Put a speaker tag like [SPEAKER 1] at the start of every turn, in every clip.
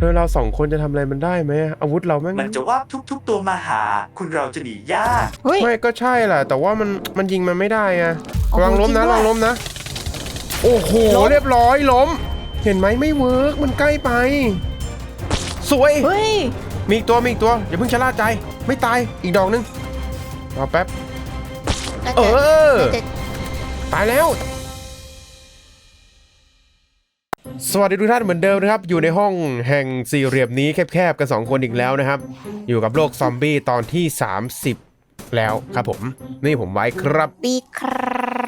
[SPEAKER 1] อเราสองคนจะทำอะไรมันได้ไหมอาวุธเราแม่ง
[SPEAKER 2] มันจะว่าทุกตัวมาหา คุณเราจะหนียาก
[SPEAKER 3] เฮ้ย
[SPEAKER 1] ไม่ก็ใช่แหละแต่ว่ามันยิงมันไม่ได้ไง
[SPEAKER 3] โอ้โห
[SPEAKER 1] ระวังล้มนะ
[SPEAKER 3] จริงด้วย
[SPEAKER 1] ระวังล้มนะโอ้โห
[SPEAKER 3] ล้ม
[SPEAKER 1] เรียบร้อยล้มเห็นไหมไม่เวิร์กมันใกล้ไปสวย
[SPEAKER 3] เฮ้ย
[SPEAKER 1] มีอีกตัวอย่าเพิ่งชะล่าใจไม่ตายอีกดอกนึงรอแป๊บ
[SPEAKER 3] น่า
[SPEAKER 1] เอ
[SPEAKER 3] จะ
[SPEAKER 1] อ
[SPEAKER 3] น่าจะ
[SPEAKER 1] ตายแล้วสวัสดีทุกท่านเหมือนเดิมนะครับอยู่ในห้องแห่งสี่เหลี่ยมนี้แคบๆกัน2คนอีกแล้วนะครับอยู่กับโลกซอมบี้ตอนที่30แล้วครับผมนี่ผมไว้ครับ
[SPEAKER 3] ปีครับ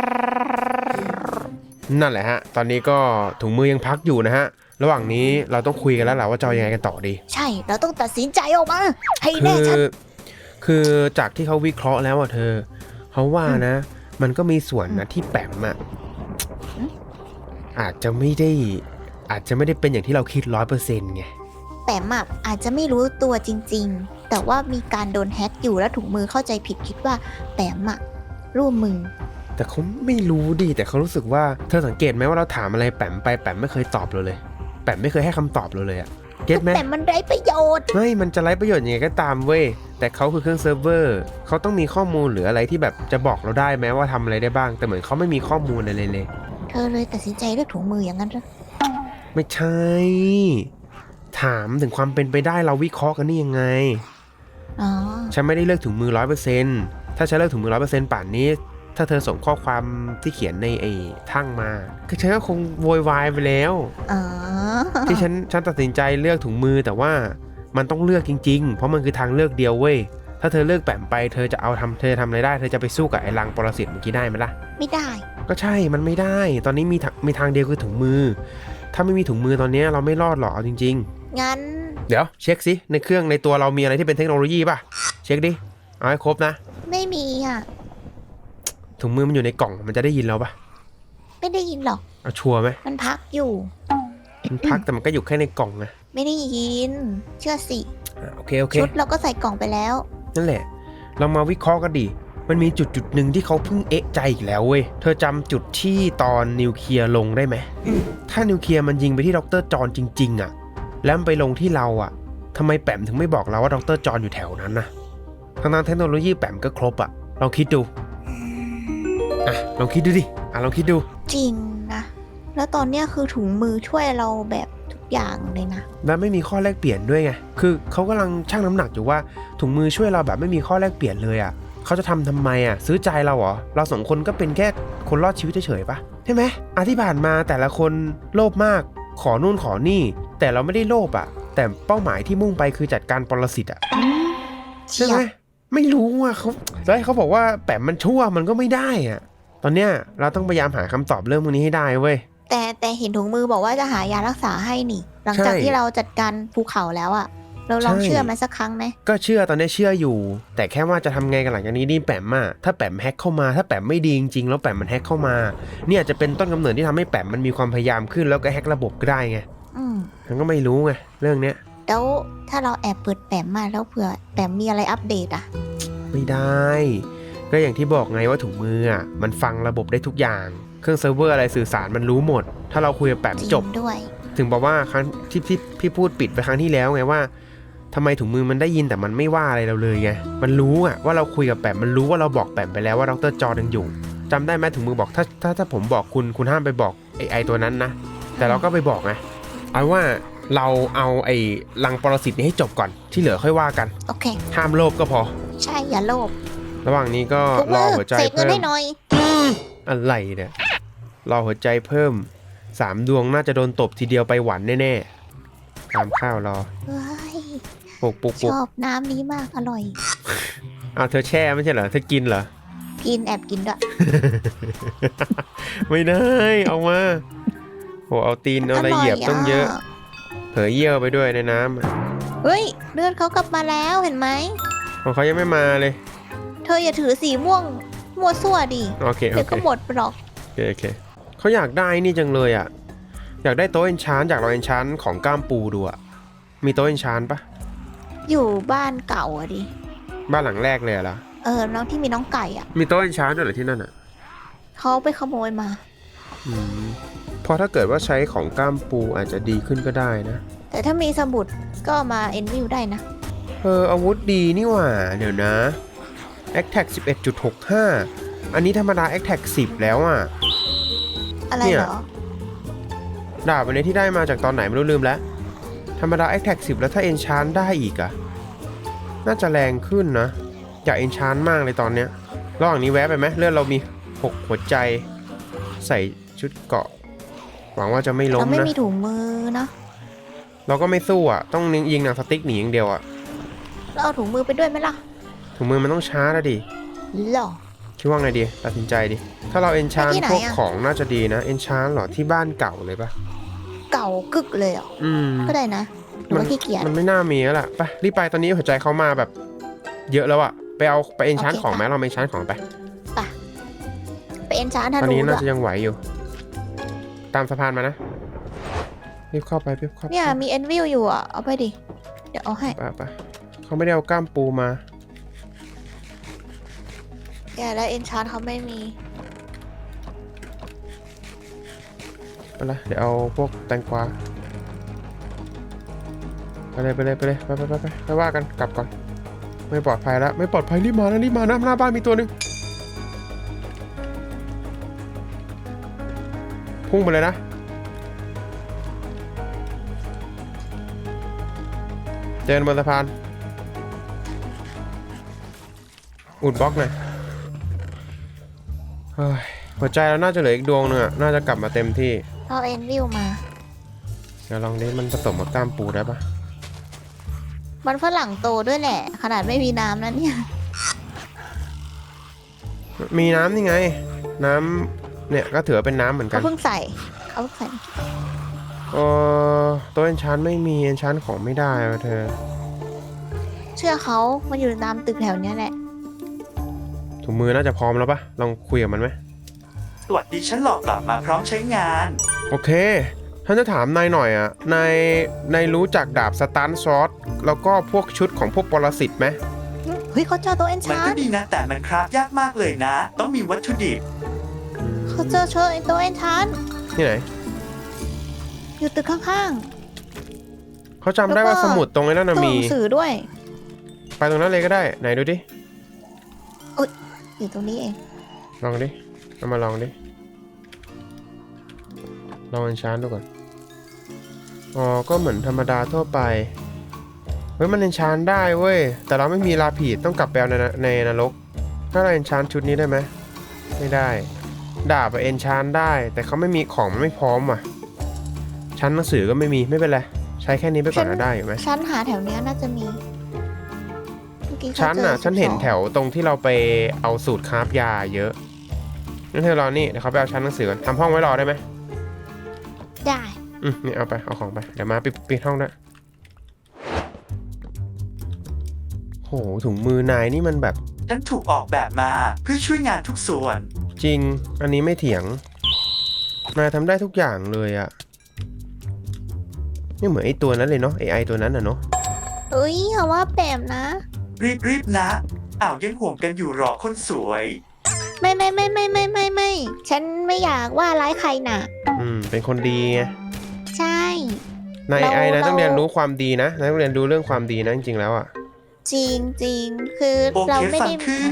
[SPEAKER 1] นั่นแหละฮะตอนนี้ก็ถุงมือยังพักอยู่นะฮะระหว่างนี้เราต้องคุยกันแล้วแหละว่าจะเอายังไงกันต่อดี
[SPEAKER 3] ใช่เราต้องตัดสินใจออกมาให้
[SPEAKER 1] คื
[SPEAKER 3] แน่
[SPEAKER 1] อ
[SPEAKER 3] ชัด
[SPEAKER 1] คือจากที่เขาวิเคราะห์แล้วอ่ะเธอเขาว่านะ มันก็มีส่วนนะที่แปมอ่ะอาจจะไม่ได้เป็นอย่างที่เราคิด100%ไง
[SPEAKER 3] แปมอะอาจจะไม่รู้ตัวจริงๆ แต่ว่ามีการโดนแฮ็กอยู่แล้วถุงมือเข้าใจผิดคิดว่าแปมอะร่วมมือ
[SPEAKER 1] แต่เขาไม่รู้ดิแต่เขารู้สึกว่าเธอสังเกตไหมว่าเราถามอะไรแปมไปแปมไม่เคยตอบเราเลยแปมไม่เคยให้คำตอบเราเลยอะเก็ตไหม
[SPEAKER 3] แต่มันไร้ประโยชน์
[SPEAKER 1] ไม่มันจะไร้ประโยชน์ยังไงก็ตามเว้ยแต่เขาคือเครื่องเซิร์ฟเวอร์เขาต้องมีข้อมูลหรืออะไรที่แบบจะบอกเราได้ไหมว่าทำอะไรได้บ้างแต่เหมือนเขาไม่มีข้อมูลอะไรเลย
[SPEAKER 3] เธอเลยตัดสินใจเลือกถุงมืออย่างนั้นเหรอ
[SPEAKER 1] ไม่ใช่ถามถึงความเป็นไปได้เราวิเคราะห์กันนี่ยังไง
[SPEAKER 3] อ๋อ
[SPEAKER 1] ฉันไม่ได้เลือกถุงมือ100%ถ้าฉันเลือกถุงมือ100%ป่านนี้ถ้าเธอส่งข้อความที่เขียนในไอ้ทั้งมาก็ฉันก็คงโวยวายไปแล้ว
[SPEAKER 3] อ๋อ
[SPEAKER 1] ที่ฉันตัดสินใจเลือกถุงมือแต่ว่ามันต้องเลือกจริงๆเพราะมันคือทางเลือกเดียวเว้ยถ้าเธอเลือกแปมไปเธอจะทำอะไรได้เธอจะไปสู้กับไอ้รังปรสิตเมื่อกี้ได้ไหมล่ะ
[SPEAKER 3] ไม่ได้
[SPEAKER 1] ก็ใช่มันไม่ได้ตอนนี้มีทางเดียวคือถุงมือถ้าไม่มีถุงมือตอนนี้เราไม่รอดหรอกเอาจริง
[SPEAKER 3] งั้น
[SPEAKER 1] ๆเดี๋ยวเช็คสิในเครื่องในตัวเรามีอะไรที่เป็นเทคโนโลยีป่ะเช็คดิเอาให้ครบนะ
[SPEAKER 3] ไม่มีอ่ะ
[SPEAKER 1] ถุงมือมันอยู่ในกล่องมันจะได้ยินเราป่ะ
[SPEAKER 3] ไม่ได้ยินหรอก
[SPEAKER 1] เอาชัวร์ไหม
[SPEAKER 3] มันพักอยู่
[SPEAKER 1] มันพักแต่มันก็อยู่แค่ในกล่องนะ
[SPEAKER 3] ไม่ได้ยิน เชื่อสิ
[SPEAKER 1] โอเค
[SPEAKER 3] ชุดเราก็ใส่กล่องไปแล้ว
[SPEAKER 1] นั่นแหละเรามาวิเคราะห์กันดิมันมีจุดหนึ่งที่เขาเพิ่งเอะใจอีกแล้วเว้ยเธอจำจุดที่ตอนนิวเคลียร์ลงได้ไหมถ้านิวเคลียร์มันยิงไปที่ดร.จอห์นจริงๆอะแล้วมันไปลงที่เราอะทำไมแปมถึงไม่บอกเราว่าดร.จอห์นอยู่แถวนั้นนะทั้งเทคโนโลยีแปมก็ครบอะลองคิดดูลองคิดดูดิลองคิดดู
[SPEAKER 3] จริงนะ แล้วตอนเนี้ยคือถุงมือช่วยเราแบบทุกอย่างเลยนะ
[SPEAKER 1] แล้วไม่มีข้อแลกเปลี่ยนด้วยไงคือเขากำลังชั่งน้ำหนักอยู่ว่าถุงมือช่วยเราแบบไม่มีข้อแลกเปลี่ยนเลยอะเขาจะทำไมอะซื้อใจเราเหรอเราสองคนก็เป็นแค่คนรอดชีวิตเฉยๆปะใช่ไหมที่ผ่านมาแต่ละคนโลภมากขอนู่นขอนี่แต่เราไม่ได้โลภอะแต่เป้าหมายที่มุ่งไปคือจัดการปรสิตอะใช่ไหมไม่รู้อะเขาแล้วเขาบอกว่าแปมมันชั่วมันก็ไม่ได้อะตอนเนี้ยเราต้องพยายามหาคำตอบเรื่องพวกนี้ให้ได้เว้ย
[SPEAKER 3] แต่เห็นถุงมือบอกว่าจะหายารักษาให้นี่ หลังจาก
[SPEAKER 1] ใช่
[SPEAKER 3] ที่เราจัดการภูเขาแล้วอะเราลอง
[SPEAKER 1] ใช่
[SPEAKER 3] เชื่อมันสักครั้งไหม
[SPEAKER 1] ก็เชื่อตอนนี้เชื่ออยู่ แต่แค่ว่าจะทำไงกันหลังจากนี้นี่แปมอะถ้าแปมแฮ็กเข้ามาถ้าแปมไม่ดีจริงๆแล้วแปมมันแฮ็กเข้ามาเนี่ยจะเป็นต้นกำเนิดที่ทำให้แปมมันมีความพยายามขึ้นแล้วก็แฮ็กระบบก็ได้ไง มันก็ไม่รู้ไงเรื่องเนี้ย
[SPEAKER 3] แล้วถ้าเราแอบเปิดแปมมาแล้วเผื่อแปมมีอะไรอัปเดตอะ
[SPEAKER 1] ไม่ได้ก็อย่างที่บอกไงว่าถุงมืออะมันฟังระบบได้ทุกอย่างเครื่องเซิร์ฟเวอร์อะไรสื่อสารมันรู้หมด ถ้าเราคุยกับแปม
[SPEAKER 3] จริ
[SPEAKER 1] จ
[SPEAKER 3] ง
[SPEAKER 1] บ
[SPEAKER 3] ด้วย
[SPEAKER 1] ถึงบอกว่าครั้งที่พี่พูดปิดไปครั้งที่แล้วไงว่าทำไมถุงมือมันได้ยินแต่มันไม่ว่าอะไรเราเลยไงมันรู้อะว่าเราคุยกับแปมมันรู้ว่าเราบอกแปมไปแล้วว่าดร.จอยังอยู่จำได้ไหมถุงมือบอกถ้าผมบอกคุณห้ามไปบอกไอตัวนั้นนะแต่เราก็ไปบอกไงเอาว่าเราเอาไอ้รังปรสิตนี้ให้จบก่อนที่เหลือค่อยว่ากัน
[SPEAKER 3] โอเค
[SPEAKER 1] ห้ามโลภก็พอ
[SPEAKER 3] ใช่อย่าโลภ
[SPEAKER 1] ระหว่างนี้ก็
[SPEAKER 3] ถุง
[SPEAKER 1] ร
[SPEAKER 3] มื
[SPEAKER 1] อ
[SPEAKER 3] อ
[SPEAKER 1] หัวใจ
[SPEAKER 3] เสกเงิ
[SPEAKER 1] เพิ่
[SPEAKER 3] น
[SPEAKER 1] ม
[SPEAKER 3] ให้หน่อย
[SPEAKER 1] อะไรเนี่ยรอหัวใจเพิ่ม3 ดวงน่าจะโดนตบทีเดียวไปหวันแน่ๆตามข้าวรอ
[SPEAKER 3] เฮ้ย
[SPEAKER 1] ปุก
[SPEAKER 3] ชอบน้ำนี้มากอร่อย
[SPEAKER 1] เธอแช่ไม่ใช่เหรอเธอกินเหรอ
[SPEAKER 3] กินแอบกินด้วย
[SPEAKER 1] ไม่ได้เอามาโหเอาตีนเอาอะไรเหยียบต้องเยอะเผยเยี่ยวไปด้วยในน้ำอะ
[SPEAKER 3] เฮ้ยเลือดเขากลับมาแล้วเห็นไหม
[SPEAKER 1] ของเขายังไม่มาเลย
[SPEAKER 3] เธออย่าถือสีม่วงมั่วซั่วดิ
[SPEAKER 1] โอเค
[SPEAKER 3] เดี๋ยวก็หมดหรอก
[SPEAKER 1] โอเคเขาอยากได้นี่จังเลยอ่ะอยากได้โต๊ะเอนชานจากเราเอนชานของก้ามปูดูอ่ะมีโต๊ะเอนชานปะ
[SPEAKER 3] อยู่บ้านเก่าอะดิ
[SPEAKER 1] บ้านหลังแรกเลยเหรอ
[SPEAKER 3] น้องที่มีน้องไก่อะ
[SPEAKER 1] มีโต๊ะเอนชานด้วยเหรอที่นั่นอ่ะ
[SPEAKER 3] เขาไปขโมยมา
[SPEAKER 1] เพราะถ้าเกิดว่าใช้ของก้ามปูอาจจะดีขึ้นก็ได้นะ
[SPEAKER 3] แต่ถ้ามีสมุดก็เอามาเอ็นวิวได้นะ
[SPEAKER 1] อาวุธดีนี่หว่า เดี๋ยวนะ Attack 11.65 อันนี้ธรรมดา Attack 10 แล้วอ่ะ
[SPEAKER 3] อะไร
[SPEAKER 1] เนี่ย
[SPEAKER 3] เหรอ
[SPEAKER 1] ดาบอันนี้ที่ได้มาจากตอนไหนไม่รู้ลืมแล้ว ธรรมดา Attack 10 แล้วถ้า Enchant ได้อีกอะน่าจะแรงขึ้นนะ อยาก Enchant มากเลยตอนเนี้ยระหว่างนี้แวะไปไหมเลือดเรามี 6 หัวใจ ใส่ชุดเกราะ หวังว่าจะไม่ล้
[SPEAKER 3] เรา
[SPEAKER 1] ม
[SPEAKER 3] ไม่
[SPEAKER 1] นะ
[SPEAKER 3] มีถุงมือเนาะ
[SPEAKER 1] เราก็ไม่สู้อ่ะ ต้องยิงหนังสติ๊กหนีอย่างเดียวอ่ะ
[SPEAKER 3] เราเอาถุงมือไปด้วยไหมล่ะ
[SPEAKER 1] ถุงมือมันต้องช้าแล้วดิ
[SPEAKER 3] หรอ
[SPEAKER 1] คิดว่าไงดีตัดสินใจดิ ถ้าเรา Enchant
[SPEAKER 3] ไปที่ไหน
[SPEAKER 1] พวก
[SPEAKER 3] อะ
[SPEAKER 1] ของน่าจะดีนะ Enchant เหรอที่บ้านเก่าเลยปะ
[SPEAKER 3] เก่ากึกเลยเหรอ
[SPEAKER 1] อืม
[SPEAKER 3] ก็ได้นะหรือว่าขี้เกียจ
[SPEAKER 1] มันไม่น่ามีแล้วล่ะไปรีบไปตอนนี้หัวใจเขามาแบบ เยอะแล้วอะไป Enchant
[SPEAKER 3] โอเค
[SPEAKER 1] ของไหม
[SPEAKER 3] ค่ะ
[SPEAKER 1] เราไป Enchant ของไป
[SPEAKER 3] ไปเอ็นชาร์ธ
[SPEAKER 1] ตอน
[SPEAKER 3] นู
[SPEAKER 1] นี้
[SPEAKER 3] ด้
[SPEAKER 1] น่า
[SPEAKER 3] วย
[SPEAKER 1] จะยังไหวอยู่ ตามสะพานมานะรีบเข้าไปรีบเข้าไป
[SPEAKER 3] เนี่ยมีเอ็นวิวอยู่อ่ะ เอาไปดิ เดี๋ยวเอาให้
[SPEAKER 1] ไปเขาไม่ได้เอากล้ามปูมา
[SPEAKER 3] แกแล้วเอ็นชาร์เขาไม่มี
[SPEAKER 1] ไปละเดี๋ยวเอาพวกแตงกวาไปเลยไปว่ากันกลับก่อนไม่ปลอดภัยแล้วไม่ปลอดภัยรีบมานะหน้าบ้านมีตัวหนึ่งพุ่งไปเลยนะเจอบนสะพานอุดบล็อกหน่อยเฮ้ยหัวใจเราน่าจะเหลืออีกดวงหนึงอะน่าจะกลับมาเต็มที่
[SPEAKER 3] เอาเอ็นวิวมา
[SPEAKER 1] เดี๋ยวลองดิมันผสมกับกล้ามปูได้ปะ
[SPEAKER 3] มันฝรั่งโตด้วยแหละ ขนาดไม่มีน้ำนะเนี่ย
[SPEAKER 1] มีน้ำนี่ไง น้ำเนี่ยก็ถือว่าเป็นน้ำเหมือนกั
[SPEAKER 3] เขา
[SPEAKER 1] น
[SPEAKER 3] เพิ่งใส่เขาเพิ่งใส่
[SPEAKER 1] ตัวเอนชานไม่มีเอนชานของไม่ได้อะเธอ
[SPEAKER 3] เชื่อเขามันอยู่ตามตึกแถวเนี้ยแหละ
[SPEAKER 1] ถุงมือน่าจะพร้อมแล้วปะลองคุยกับมันไหม
[SPEAKER 2] สวัสดีฉันหลอกกลับมาพร้อมใช้งาน
[SPEAKER 1] โอเคท่านจะถามนายหน่อยอ่ะนายรู้จักดาบสตันซอสแล้วก็พวกชุดของพวกปรสิตไหม
[SPEAKER 3] เฮ้ยเขาเจอตัวเอ็น
[SPEAKER 2] มัน
[SPEAKER 3] ชา
[SPEAKER 2] ก็
[SPEAKER 3] ร์
[SPEAKER 2] ดีนะแต่มันคราฟยากมากเลยนะ ต้องมีวัตถุดิบ
[SPEAKER 3] เขาเจอตัวเอ็นชาร์
[SPEAKER 1] ที่ไหน
[SPEAKER 3] อยู่ตึกข้าง
[SPEAKER 1] เขาจำได้ว่าสมุดตรงไอ้นั่น
[SPEAKER 3] ๆ
[SPEAKER 1] นะ
[SPEAKER 3] ตู้ห
[SPEAKER 1] มี
[SPEAKER 3] นังสือด้วย
[SPEAKER 1] ไปตรงนั้นเลยก็ได้ไหนดูดิ
[SPEAKER 3] อยู่ตรงนี้เอง
[SPEAKER 1] ลองดิเอามาลองดิลองเอนชานดูก่อนอ๋อก็เหมือนธรรมดาทั่วไปเฮ้ยมันเอนชานได้เว้ยแต่เราไม่มีลาผีดต้องกลับไปเอาในนรกถ้าเราเอนชานชุดนี้ได้ไหมไม่ได้ดาบเอนชานได้แต่เขาไม่มีของมันไม่พร้อมว่ะชั้นหนังสือก็ไม่มีไม่เป็นไรใช้แค่นี้ไปก่อนก็ได้อยู่ไหม
[SPEAKER 3] ชั้นหาแถวเนี้ยน่าจะมีเมื่อกี้เขา
[SPEAKER 1] ชั้น
[SPEAKER 3] เจอ
[SPEAKER 1] อ่ะฉันเห็น
[SPEAKER 3] 12
[SPEAKER 1] แถวตรงที่เราไปเอาสูตรคราฟยาเยอะงั้นเธอรอนี่เดี๋ยวเขาไปเอาชั้นหนังสือก่อนทำห้องไว้รอได้ไหม
[SPEAKER 3] ได้
[SPEAKER 1] นี่เอาไปเอาของไปเดี๋ยวมาปิดห้องด้วยโหถุงมือนายนี่มันแบบ
[SPEAKER 2] ฉันถูกออกแบบมาเพื่อช่วยงานทุกส่วน
[SPEAKER 1] จริงอันนี้ไม่เถียงนายทำได้ทุกอย่างเลยอะนี่เหมือนไอตัวนั้นเลยเนาะไอตัวนั้นอะเนาะ
[SPEAKER 3] เอ้ยเขาว่าแปมนะ
[SPEAKER 2] รีบนะอ้าวยังห่วงกันอยู่หรอคนสวย
[SPEAKER 3] ไม่ ฉันไม่อยากว่าร้ายใครน่ะ
[SPEAKER 1] เป็นคนดีไง
[SPEAKER 3] ใช่
[SPEAKER 1] นาย
[SPEAKER 3] เรา
[SPEAKER 1] นายต้อง
[SPEAKER 3] เรา
[SPEAKER 1] เรียนรู้ความดีนะนายต้องเรียนรู้เรื่องความดีนะจริงๆแล้วอะ
[SPEAKER 3] จริงคือ
[SPEAKER 2] โอ
[SPEAKER 3] เรา
[SPEAKER 2] เค
[SPEAKER 3] ไม่
[SPEAKER 2] ฟัง
[SPEAKER 3] ได้
[SPEAKER 2] ขึ้น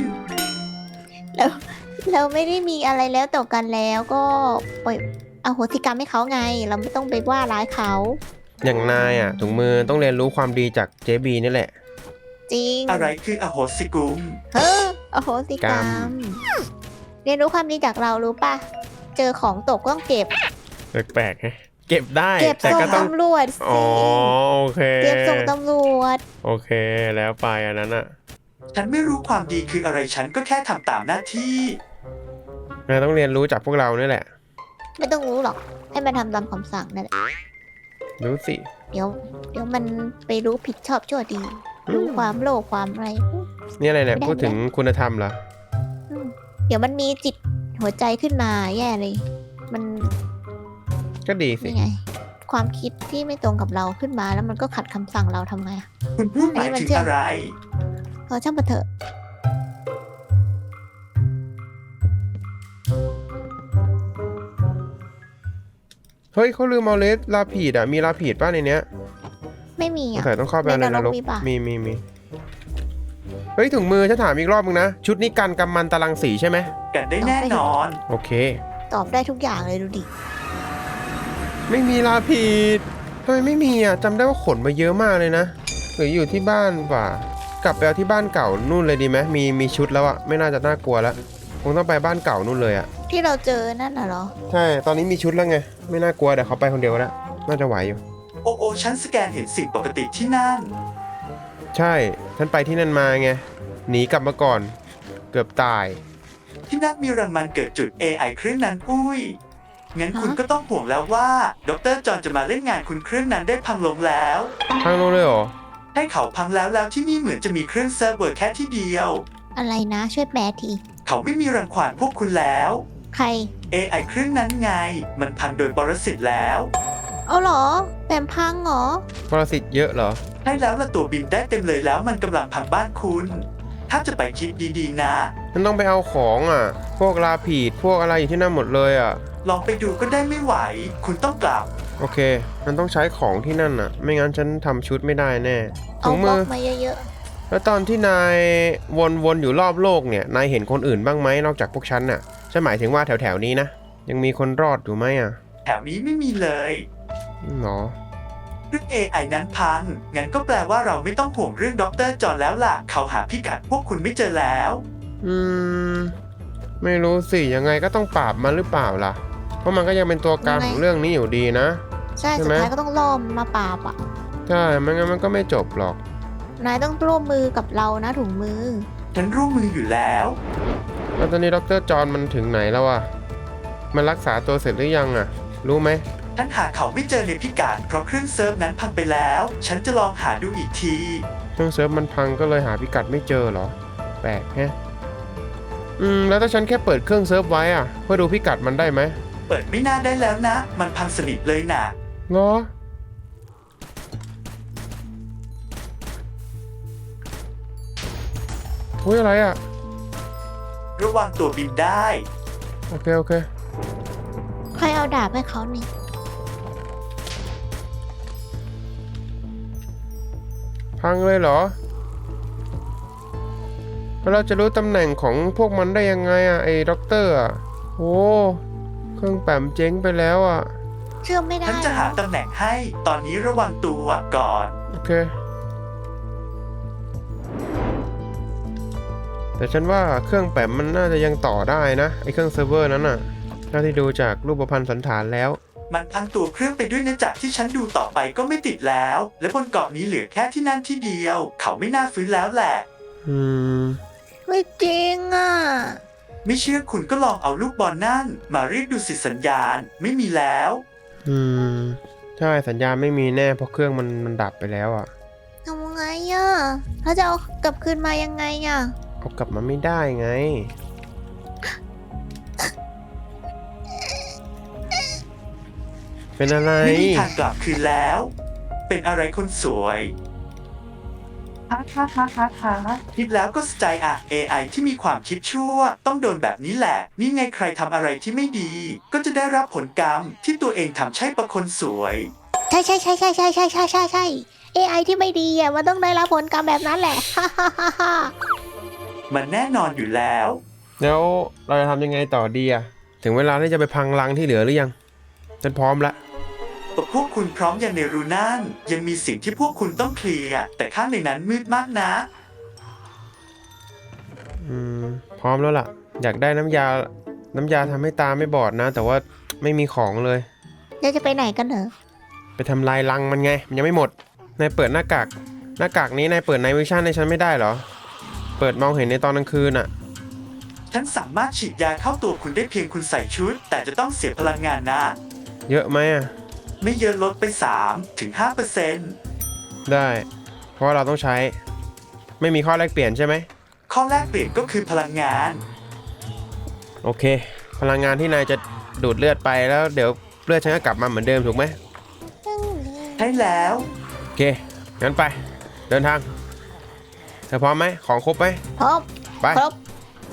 [SPEAKER 3] เราไม่ได้มีอะไรแล้วต่อกันแล้วก็ปล่อยอโหสิกรรมให้เขาไง เราไม่ต้องไปว่าร้ายเขา
[SPEAKER 1] อย่างนายอะถุงมือต้องเรียนรู้ความดีจากเจบีนี่แหละ
[SPEAKER 3] จริง
[SPEAKER 2] อะไรคืออโหสิกุม
[SPEAKER 3] เฮ้ออโหสิกรร
[SPEAKER 1] กรร
[SPEAKER 3] ม เรียนรู้ความดีจากเรารู้ป่ะ เจอของตกต้องเก็บ
[SPEAKER 1] แปลกๆไงเก็บได้
[SPEAKER 3] เก็บ
[SPEAKER 1] แต่
[SPEAKER 3] ส่ง
[SPEAKER 1] ก็ต้อง
[SPEAKER 3] ตำรวจ
[SPEAKER 1] อ๋
[SPEAKER 3] สิ
[SPEAKER 1] อโอเค
[SPEAKER 3] เก็บส่งตำรวจ
[SPEAKER 1] โอเคแล้วไปอันนั้นอะ
[SPEAKER 2] ฉันไม่รู้ความดีคืออะไรฉันก็แค่ทำตามหน้าที่
[SPEAKER 1] นายต้องเรียนรู้จากพวกเรานี่แหละ
[SPEAKER 3] ไม่ต้องรู้หรอก ให้มันทำตามคำสั่งนั่นแหละ
[SPEAKER 1] รู้สิ
[SPEAKER 3] เดี๋ยวมันไปรู้ผิดชอบชั่วดี รู้ความโลภความอะไร
[SPEAKER 1] นี่อะไรเนี่ย
[SPEAKER 3] ไม่ได้
[SPEAKER 1] พูดถึงคุณธรรมเหรอ
[SPEAKER 3] อืมเดี๋ยวมันมีจิตหัวใจขึ้นมาแย่เลย มัน
[SPEAKER 1] ก็ดีสิ
[SPEAKER 3] นี่ไง ความคิดที่ไม่ตรงกับเราขึ้นมาแล้วมันก็ขัดคำสั่งเราทำไงอะ
[SPEAKER 2] คุณพูดหมายถึงอะไร
[SPEAKER 3] ช่างมันเถอะ
[SPEAKER 1] เฮ้ยเขาลืมเอาเลสลาผีดอะมีลาผีดป้าในเนี้ย
[SPEAKER 3] ไม่มี
[SPEAKER 1] สง
[SPEAKER 3] อ่ะ
[SPEAKER 1] สัยต้องเข้าไปในนรก
[SPEAKER 3] มีปะ
[SPEAKER 1] มีเฮ้ยถุงมือฉันถามอีกรอบนึงนะชุดนี้กันกำมันตรังสีใช่ไหม
[SPEAKER 2] กันได้แน่นอน
[SPEAKER 1] โอเค
[SPEAKER 3] ตอบได้ทุกอย่างเลยดูดิ
[SPEAKER 1] ไม่มีลาผิดทำไมไม่มีอ่ะจำได้ว่าขนมาเยอะมากเลยนะหรืออยู่ที่บ้านป่ะกลับไปเอาที่บ้านเก่านู่นเลยดีไหมมีชุดแล้วอ่ะไม่น่าจะน่ากลัวแล้วคงต้องไปบ้านเก่านู่นเลยอ่ะ
[SPEAKER 3] ที่เราเจอนั่นน่ะเหรอ
[SPEAKER 1] ใช่ตอนนี้มีชุดแล้วไงไม่น่ากลัวเดี๋ยวเขาไปคนเดียวแล้วน่าจะไหวอยู่
[SPEAKER 2] โอ้ฉันสแกนเห็นสิ่งปกติที่นั่น
[SPEAKER 1] ใช่ฉันไปที่นั่นมาไงหนีกลับมาก่อน เกือบตาย
[SPEAKER 2] ที่นั่นมีรังมันเกิดจุด AI เครื่องนั้นอุ้ยงั้นคุณ
[SPEAKER 3] ฮะ
[SPEAKER 2] ก็ต้องห่วงแล้วว่าดรจอห์นจะมาเล่นงานคุณเครื่องนั้นได้พังลงแล้ว
[SPEAKER 1] ทางลงเลยเหรอ
[SPEAKER 2] ให้เขาพังแล้วที่นี่เหมือนจะมีเครื่องเซิร์ฟเวอร์แค่ที่เดียว
[SPEAKER 3] อะไรนะ ช่วยแปลที
[SPEAKER 2] เขาไม่มีรังควานพวกคุณแล้ว
[SPEAKER 3] ใคร
[SPEAKER 2] AI เครื่องนั้นไง มันพังโดยปรสิตแล้ว
[SPEAKER 3] เอาเหรอแปมพังเหรอ
[SPEAKER 1] ปรสิตเยอะเหรอ
[SPEAKER 2] ให้แล้วละตัวบินได้เต็มเลยแล้วมันกำลังพังบ้านคุณ ถ้าจะไปคิดดีๆนะ
[SPEAKER 1] มันต้องไปเอาของอ่ะ พวกลาผีดพวกอะไรอยู่ที่นั่นหมดเลยอ่ะ
[SPEAKER 2] ลองไปดูก็ได้ไม่ไหว คุณต้องกลับ
[SPEAKER 1] โอเค มันต้องใช้ของที่นั่นอ่ะ ไม่งั้นฉันทำชุดไม่ได้แน่
[SPEAKER 3] เอา
[SPEAKER 1] ถุง
[SPEAKER 3] บล็
[SPEAKER 1] มื
[SPEAKER 3] อก
[SPEAKER 1] อ
[SPEAKER 3] มาเยอะ
[SPEAKER 1] แล้วตอนที่นายวนอยู่รอบโลกเนี่ยนายเห็นคนอื่นบ้างไหมนอกจากพวกฉันน่ะฉันหมายถึงว่าแถวๆนี้นะยังมีคนรอดอยู่ไหมอ่ะ
[SPEAKER 2] แถวนี้ไม่มีเลย
[SPEAKER 1] หรอ
[SPEAKER 2] เรื่อง AI นั้นพัง งั้นก็แปลว่าเราไม่ต้องห่วงเรื่องดรจอห์นแล้วล่ะ เขาหาพิกัดพวกคุณไม่เจอแล้ว
[SPEAKER 1] อืมไม่รู้สิยังไงก็ต้องปราบมันหรือเปล่าล่ะ เพราะมันก็ยังเป็นตัวการของเรื่องนี้อยู่ดีนะ
[SPEAKER 3] ๆ ใช่
[SPEAKER 1] ใช่
[SPEAKER 3] สุด
[SPEAKER 1] ไหม
[SPEAKER 3] ท้ายก็ต้องล่อมนมาปราบอ่ะ
[SPEAKER 1] ใช่ไม่งั้นมันก็ไม่จบหรอก
[SPEAKER 3] นายต้องร่วมมือกับเรานะถุงมือ
[SPEAKER 2] ฉันร่วมมืออยู่แล้ว
[SPEAKER 1] แล้วตอนนี้ดรจอห์นมันถึงไหนแล้วอ่ะมันรักษาตัวเสร็จหรือยังอ่ะ รู้ไหม
[SPEAKER 2] ฉันหาเขาไม่เจอในพิกัดเพราะเครื่องเซิร์ฟนั้นพังไปแล้ว ฉันจะลองหาดูอีกที
[SPEAKER 1] เครื่องเซิร์ฟมันพังก็เลยหาพิกัดไม่เจอเหรอแปลกแฮะแล้วถ้าฉันแค่เปิดเครื่องเซิร์ฟไว้อ่ะเพื่อดูพิกัดมันได้ไหม
[SPEAKER 2] เปิดไม่น่าได้แล้วนะ มันพังสนิทเลยนะ
[SPEAKER 1] เหรออุ้ยอะไรอ่ะ
[SPEAKER 2] ระวังตัวบินได้
[SPEAKER 1] โอเค
[SPEAKER 3] ใครเอาดาบให้เขานี่
[SPEAKER 1] พังเลยเหรอแล้วเราจะรู้ตำแหน่งของพวกมันได้ยังไงอ่ะไอ้ด็อกเตอร์อ่ะโอ้เครื่องแปมเจ๊งไปแล้วอ่ะ
[SPEAKER 3] เชื่อมไม่ได้
[SPEAKER 2] ฉันจะหาตำแหน่งให้ ตอนนี้ระวังตัวก่อน
[SPEAKER 1] โอเค แต่ฉันว่าเครื่องแปมมันน่าจะยังต่อได้นะไอ้เครื่องเซิร์ฟเวอร์นั้นน่ะถ้าที่ดูจากรูปพรรณสันฐานแล้ว
[SPEAKER 2] มันพังตัวเครื่องไปด้วยนะจากที่ฉันดูต่อไปก็ไม่ติดแล้ว และบนเกาะนี้เหลือแค่ที่นั่นที่เดียว เขาไม่น่าฟื้นแล้วแหละ
[SPEAKER 1] อืม
[SPEAKER 3] ไม่จริงอ่ะ
[SPEAKER 2] ไม่เชื่อคุณก็ลองเอาลูกบอลนั่น มาเรียกดูสิสัญญาณไม่มีแล้ว
[SPEAKER 1] ใช่สัญญาณไม่มีแน่เพราะเครื่องมันดับไปแล้วอ่ะ
[SPEAKER 3] ทำไงอ่ะแล้วจะเอากลับคืนมายังไงอ่ะ
[SPEAKER 1] เอากลับมาไม่ได้ไง เป็นอะไร
[SPEAKER 2] ไม่มีทางกลับคืนแล้ว เป็นอะไรคนสวยคิดแล้วก็สะใจอ่ะ AI ที่มีความคิดชั่ว ต้องโดนแบบนี้แหละ นี่ไงใครทำอะไรที่ไม่ดี ก็จะได้รับผลกรรมที่ตัวเองทำใช่ประคนสวย
[SPEAKER 3] ใช่ AI ที่ไม่ดีอ่ะมันต้องได้รับผลกรรมแบบนั้นแหละ
[SPEAKER 2] มันแน่นอนอยู่แล้ว
[SPEAKER 1] แล้วเราจะทำยังไงต่อดีอะถึงเวลาที่จะไปพังรังที่เหลือหรือยังฉันพร้อมละ
[SPEAKER 2] พวกคุณพร้อมอย่างในรูนั่นยังมีสิ่งที่พวกคุณต้องเคลียร์แต่ข้างในนั้นมืดมากนะ
[SPEAKER 1] พร้อมแล้วล่ะ อยากได้น้ำยาทำให้ตาไม่บอดนะ แต่ว่าไม่มีของเลย
[SPEAKER 3] เราจะไปไหนกันเหรอ
[SPEAKER 1] ไปทำลายรังมันไง มันยังไม่หมดนายเปิดหน้ากากนี้นายเปิดไนท์วิชั่นให้ฉันไม่ได้เหรอ เปิดมองเห็นในตอนกลางคืนอะ
[SPEAKER 2] ฉันสามารถฉีดยาเข้าตัวคุณได้เพียงคุณใส่ชุด แต่จะต้องเสียพลังงานนะ
[SPEAKER 1] เยอะไหมอะ
[SPEAKER 2] ไม่เยอะลดไป 3-5%
[SPEAKER 1] ได้ เพราะว่าเราต้องใช้ ไม่มีข้อแลกเปลี่ยนใช่ไหม
[SPEAKER 2] ข้อแรกเปลี่ยนก็คือพลังงาน
[SPEAKER 1] โอเค พลังงานที่นายจะดูดเลือดไปแล้วเดี๋ยวเลือดฉันก็กลับมาเหมือนเดิมถูกไหม
[SPEAKER 2] ใช่แล้ว
[SPEAKER 1] โอเค งั้นไป เดินทาง เธอพร้อมไหม ของครบไหม
[SPEAKER 3] พร้อม
[SPEAKER 1] ไป
[SPEAKER 3] ครบ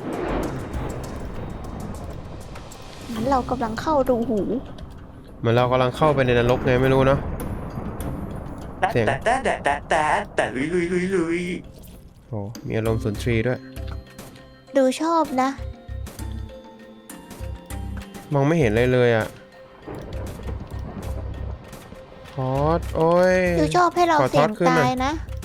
[SPEAKER 3] งั้นเรากำลังเข้ารูหู
[SPEAKER 1] เหมือนเรากำลังเข้าไปในนรกไงไม่รู้เนาะ
[SPEAKER 2] แต่
[SPEAKER 1] เสียง
[SPEAKER 2] แต่ลุย
[SPEAKER 1] โอ้มีอารมณ์สุนทรีย์ด้วย
[SPEAKER 3] ดูชอบนะ
[SPEAKER 1] มองไม่เห็นเลยเลยอ่ะทอดโอ้ย
[SPEAKER 3] ดูชอบให้เรา
[SPEAKER 1] ขอ
[SPEAKER 3] เสี่ยง
[SPEAKER 1] ทอดขึ้นหน่
[SPEAKER 3] ตา
[SPEAKER 1] อย
[SPEAKER 3] ยนะ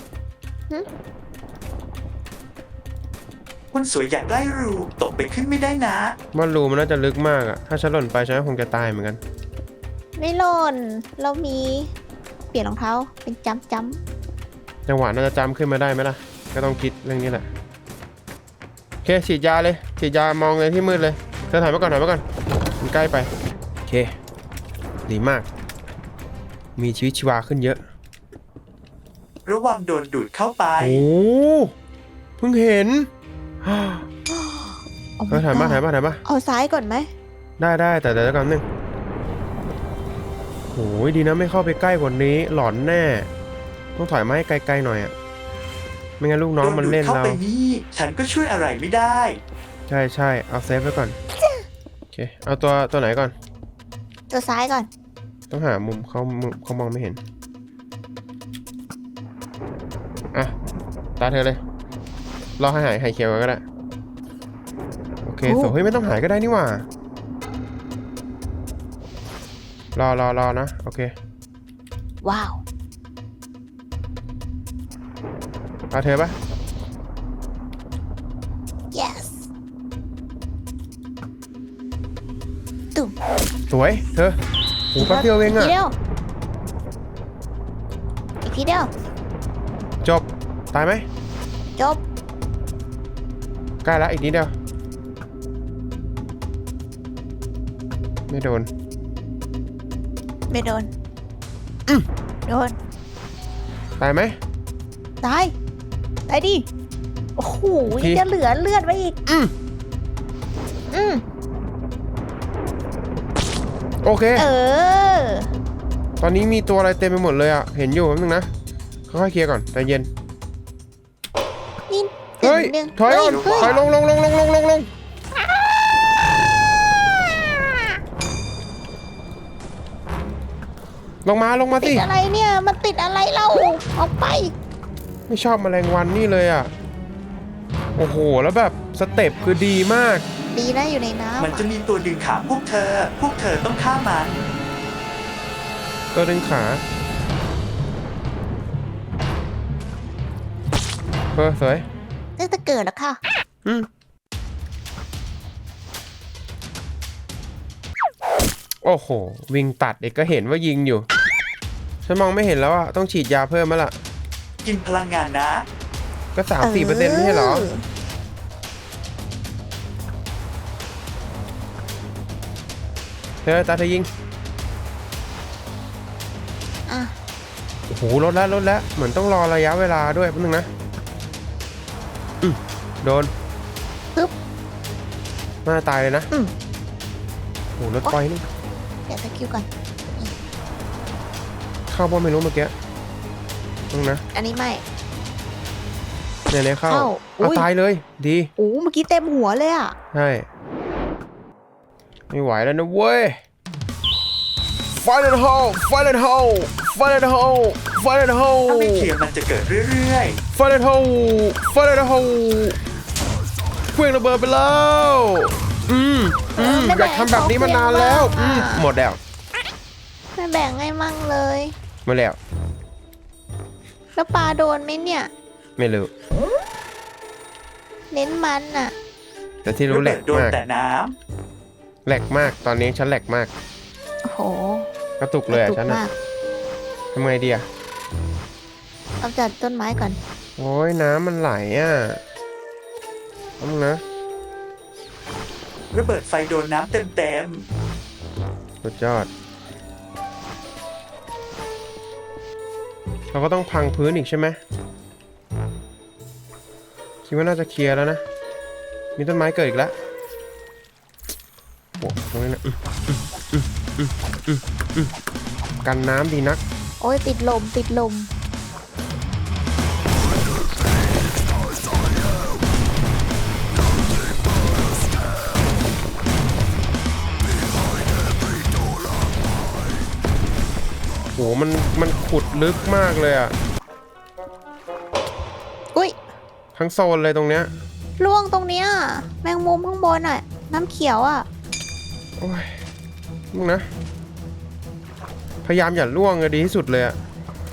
[SPEAKER 2] คนสวยอยากได้รูตกไปขึ้นไม่ได้นะ
[SPEAKER 1] ว่ารูมันน่าจะลึกมากอ่ะ ถ้าฉันหล่นไปฉันก็คงจะตายเหมือนกัน
[SPEAKER 3] ไม่หล่น เรามีเปลี่ยนรองเท้าเป็นจ้ำ
[SPEAKER 1] จังหวะน่าจะจำขึ้นมาได้ไหมล่ะ ก็ต้องคิดเรื่องนี้แหละโอเคฉีดยาเลยฉีดยามองเลยที่มืดเลยเธอถอยมาก่อนมันใกล้ไปโอเค ดีมาก มีชีวิตชีวาขึ้นเยอะ
[SPEAKER 2] ระวังโดนดูดเข้าไป
[SPEAKER 1] โอ้เพิ่งเห็น
[SPEAKER 3] ๆ
[SPEAKER 1] เออถ่ายมา
[SPEAKER 3] เอาซ้ายก่อนไหม
[SPEAKER 1] ได้แต่เดี๋ยวก่อนนึงโอ้ยดีนะไม่เข้าไปใกล้กว่านี้หลอนแน่ ต้องถอยมาให้ไกลๆหน่อยอ่ะไม่งั้นลูกน้องมันเล่น
[SPEAKER 2] โดดูดเข้า
[SPEAKER 1] เรา
[SPEAKER 2] ไปนี่ฉันก็ช่วยอะไรไม่ได้
[SPEAKER 1] ใช่เอาเซฟไว้ก่อนโอเคเอาตัวไหนก่อน
[SPEAKER 3] ตัวซ้ายก่อน
[SPEAKER 1] ต้องหามุมเขามองไม่เห็นอ่ะตาเธอเลยรอให้หายเขียวก่อนก็ได้โอเคสวยเฮ้ยไม่ต้องหายก็ได้นี่หว่ารอนะโอเค
[SPEAKER 3] ว้าว
[SPEAKER 1] เอาเธอปะ
[SPEAKER 3] yes ตุ่ม
[SPEAKER 1] สวยเธอโอ้แป๊บเดียวเอง
[SPEAKER 3] ที
[SPEAKER 1] อะ
[SPEAKER 3] เดียว อีกทีเดียว
[SPEAKER 1] จบตายไหม
[SPEAKER 3] จบ
[SPEAKER 1] ใกล้ละอีกนิดเดียวไม่โดน
[SPEAKER 3] ไม่โดน โดน
[SPEAKER 1] ตายไหม
[SPEAKER 3] ตาย ตายดิ โอ้โห
[SPEAKER 1] อีกที
[SPEAKER 3] จะเหลือเลือดไว้อีก
[SPEAKER 1] อืมโอเค
[SPEAKER 3] เออ
[SPEAKER 1] ตอนนี้มีตัวอะไรเต็มไปหมดเลยอ่ะเห็นอยู่แป๊บนึงนะค่อยๆเคลียร์ก่อนใจเย็น
[SPEAKER 3] นี่
[SPEAKER 1] เฮ้ย
[SPEAKER 3] หนึ่ง
[SPEAKER 1] ถอยก่อน
[SPEAKER 3] เฮ้
[SPEAKER 1] ถอยลงลงมา
[SPEAKER 3] ติ
[SPEAKER 1] สิ
[SPEAKER 3] ดอะไรเนี่ย มันติดอะไรเล่าออกไป
[SPEAKER 1] ไม่ชอบแมลงวันนี่เลยอ่ะโอ้โหแล้วแบบสเต็ปคือดีมาก
[SPEAKER 3] ดีนะอยู่ในน้ำ
[SPEAKER 2] มันจะมีตัวดึงขาพวกเธอต้องฆ่ามัน
[SPEAKER 1] ตัวดึงขาสวย
[SPEAKER 3] ตั้งแต่เกิดแล้วค่ะ
[SPEAKER 1] โอ้โหวิ่งตัดเด็กก็เห็นว่ายิงอยู่ฉันมองไม่เห็นแล้วอ่ะต้องฉีดยาเพิ่มมั้ยล่ะ
[SPEAKER 2] กินพลังงานนะ
[SPEAKER 1] ก็3-4%ไม่ใช่เหรอเธอตาเธอยิง
[SPEAKER 3] อ่ะ
[SPEAKER 1] โอ้โหลดแล้วเหมือนต้องรอระยะเวลาด้วยแป๊บนึงนะโดน
[SPEAKER 3] ปึ๊บ
[SPEAKER 1] น่าตายเลยนะ
[SPEAKER 3] อืม
[SPEAKER 1] โอ้โหรถไฟนี่
[SPEAKER 3] เดี๋ยวสกิลก่อน
[SPEAKER 1] เข้าบ่ไม่รู้เมื่อกี้นึงนะ
[SPEAKER 3] อันนี้ไม่
[SPEAKER 1] เนี่ยเข้า
[SPEAKER 3] เข้า
[SPEAKER 1] เอา
[SPEAKER 3] อุ๊ย
[SPEAKER 1] ตายเลยดี
[SPEAKER 3] โอ้เมื่อกี้เต็มหัวเลยอ่ะ
[SPEAKER 1] ใช่ไม่ไหวแล้วนะเว้ย Fire in the hole Fire in the hole Fire in the hole Fire in the
[SPEAKER 2] ถ้าไม่
[SPEAKER 1] hole
[SPEAKER 2] เคลียร์มันจะเกิดเรื่อย
[SPEAKER 1] Fire in the hole Fire in the hole เครื่องระเบิดไปแล้วอยากทำแบบนี้มานานแล้วหมดแล้ว
[SPEAKER 3] ไม่แบ่งให้มั่งเลย
[SPEAKER 1] หมดแล้ว
[SPEAKER 3] แล้วปลาโดนไหมเนี่ย
[SPEAKER 1] ไม่รู้
[SPEAKER 3] เน้นมันอ่ะ
[SPEAKER 1] แต่ที่
[SPEAKER 2] ๆ
[SPEAKER 1] รู้
[SPEAKER 2] ระ
[SPEAKER 1] แหล
[SPEAKER 2] เบิด
[SPEAKER 1] ก
[SPEAKER 2] โดน
[SPEAKER 1] มาก
[SPEAKER 2] แต่น้
[SPEAKER 1] แหลกมากตอนนี้ฉันแหลกมาก
[SPEAKER 3] โอ้โห
[SPEAKER 1] กระตุกเลยอ่ะ
[SPEAKER 3] ถูก
[SPEAKER 1] ฉัน
[SPEAKER 3] มา
[SPEAKER 1] อ่ะ
[SPEAKER 3] ก
[SPEAKER 1] ทำไงดีอ่ะ
[SPEAKER 3] เอาจัดต้นไม้ก่อน
[SPEAKER 1] โอ้ยน้ำมันไหลอ่ะต้องนะ
[SPEAKER 2] ำระเบิดไฟโดนน้ำเต็ม
[SPEAKER 1] สุดยอดเราก็ต้องพังพื้นอีกใช่ไหมคิดว่าน่าจะเคลียร์แล้วนะมีต้นไม้เกิดอีกแล้วโอ้ตรงนี้นะกันน้ำดีนัก
[SPEAKER 3] โอ้ยติดลม
[SPEAKER 1] โหมันขขุดลึกมากเลยอ่ะ
[SPEAKER 3] อุ้ย
[SPEAKER 1] ทั้งโซนเลยตรงเนี้ย
[SPEAKER 3] ล่วงตรงเนี้ยแมงมุมข้างบนอ่ะ น้ำเขียวอ่ะ
[SPEAKER 1] โอ้ยมึงนะ พยายามอย่าล่วงเลยดีที่สุดเลยอะ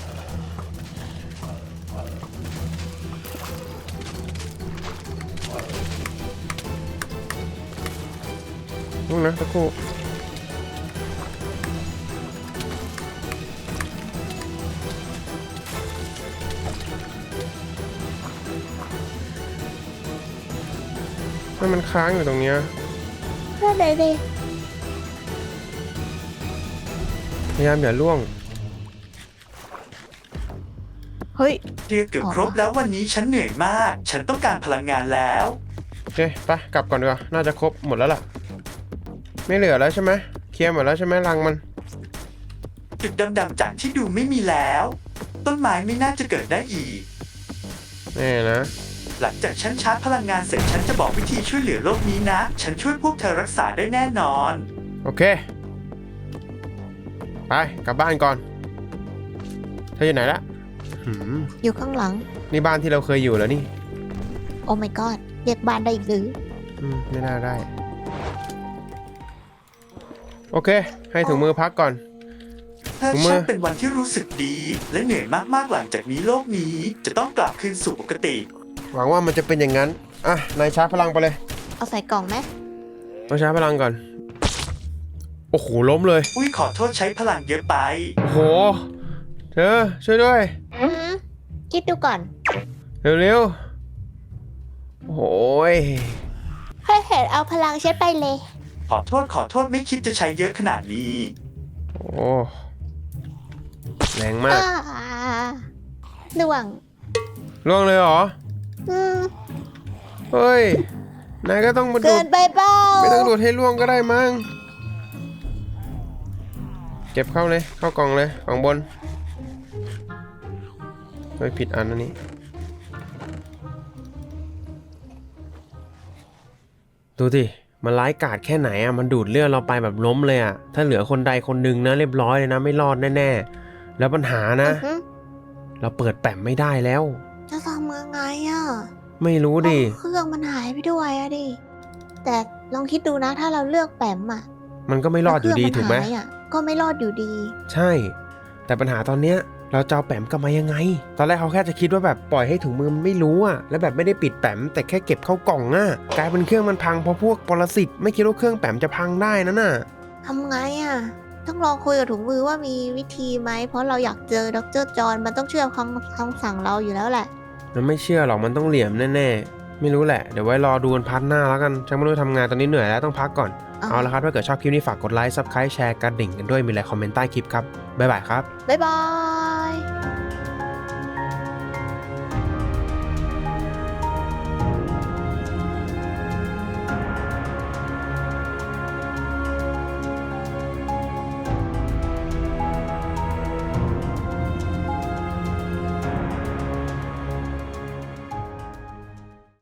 [SPEAKER 1] มึงนะตะคู่มันค้างอยู่ตรงเนี้ย
[SPEAKER 3] นั่นเลยดิ
[SPEAKER 1] พยายามอย่าล่วง
[SPEAKER 3] เฮ้ย
[SPEAKER 2] เรียกเกือบครบแล้ววันนี้ฉันเหนื่อยมาก ฉันต้องการพลังงานแล้ว
[SPEAKER 1] โอเคไปกลับก่อนดีกว่าน่าจะครบหมดแล้วล่ะ ไม่เหลือแล้วใช่ไหมเคลียร์หมดแล้วใช่ไหมรังมัน
[SPEAKER 2] จุดดำๆจากที่ดูไม่มีแล้ว ต้นไม้ไม่น่าจะเกิดได้อีก
[SPEAKER 1] แน่นะ
[SPEAKER 2] หลังจากฉันชาร์จพลังงานเสร็จฉันจะบอกวิธีช่วยเหลือโลกนี้นะ ฉันช่วยพวกเธอรักษาได้แน่นอน
[SPEAKER 1] โอเค ไปกลับบ้านก่อนเธออยู่ไหนละหืม
[SPEAKER 3] อยู่ข้างหลัง
[SPEAKER 1] นี่บ้านที่เราเคยอยู่แล้วนี่
[SPEAKER 3] โอ้ my god เรียกบ้านได้อีกหรือ
[SPEAKER 1] ไม่น่าได้ โอเค ให้ถุงมือพักก่อน
[SPEAKER 2] เธอ
[SPEAKER 1] ผมว่า
[SPEAKER 2] ช่างเป็นวันที่รู้สึกดี และเหนื่อยมากๆหลังจากนี้โลกนี้จะต้องกลับคืนสู่ปกติ
[SPEAKER 1] หวังว่ามันจะเป็นอย่างนั้น อ่ะ นายชาร์จพลังไปเลย
[SPEAKER 3] เอาใส่กล่องไหม
[SPEAKER 1] ต้องชาร์จพลังก่อน โอ้โห ล้มเลย
[SPEAKER 2] อุ้ยขอโทษใช้พลังเยอะไป
[SPEAKER 1] โอ้โห เธอ ช่วยด้วย
[SPEAKER 3] คิดดูก่อน
[SPEAKER 1] เร็วๆ โอ้โหย
[SPEAKER 3] ให้เห็นเอาพลังเช็ดไปเลย
[SPEAKER 2] ขอโทษไม่คิดจะใช้เยอะขนาดนี้
[SPEAKER 1] โอ้แรงมาก
[SPEAKER 3] ล่วง
[SPEAKER 1] ล่วงเลยเหรอ เฮ้ย นายก็ต้องมาดู
[SPEAKER 3] เกิ
[SPEAKER 1] ด
[SPEAKER 3] นไปเปล่า
[SPEAKER 1] ไม่ต้องดูดให้ล่วงก็ได้มั้ง เก็บเข้าเลย เข้ากล่องเลยกล่องบนไม่ผิดอันนี้ดูดิมันร้ายกาจแค่ไหนอ่ะมันดูดเลือดเราไปแบบล้มเลยอ่ะถ้าเหลือคนใดคนหนึ่งนะเรียบร้อยเลยนะไม่รอดแน่ๆแล้วปัญหานะ เราเปิดแปมไม่ได้แล้ว
[SPEAKER 3] จะทำยังไงอ่ะ
[SPEAKER 1] ไม่รู้ดิ
[SPEAKER 3] เครื่องมันหายไปด้วยอะดิ แต่ลองคิดดูนะถ้าเราเลือกแปมอ่ะ
[SPEAKER 1] มันก็ไม่รอดอยู่ดี
[SPEAKER 3] แล้วเค
[SPEAKER 1] ถู
[SPEAKER 3] รื่
[SPEAKER 1] กไหม
[SPEAKER 3] นายอะก็ไม่รอดอยู่ดี
[SPEAKER 1] ใช่ แต่ปัญหาตอนเนี้ยเราจะเอาแปมกลับมายังไง ตอนแรกเขาแค่จะคิดว่าแบบปล่อยให้ถุงมือมันไม่รู้อ่ะแล้วแบบไม่ได้ปิดแปมแต่แค่เก็บเข้ากล่องอ่ะกลายเป็นเครื่องมันพังเพราะพวกปรสิตไม่คิดว่าเครื่องแปมจะพังได้นั่นน่ะ
[SPEAKER 3] ทำไงอ่ะ ต้องลองคุยกับถุงมือว่ามีวิธีไหม เพราะเราอยากเจอดรจอห์นมันต้องเชื่อคำสั่งเราอยู่แล้วแหละ
[SPEAKER 1] มันไม่เชื่อหรอกมันต้องเหลี่ยมแน่ๆไม่รู้แหละเดี๋ยวไว้รอดูกันพาร์ทหน้าแล้วกันฉันไม่รู้ทำงานตอนนี้เหนื่อยแล้วต้องพักก่อน เอาละครับถ้าเกิดชอบคลิปนี้ฝากกดไลค์ซับสไครต์แชร์กระดิ่งกันด้วยมีอะไรคอมเมนต์ใต้คลิปครับบ๊ายบายครับ
[SPEAKER 3] บ๊ายบาย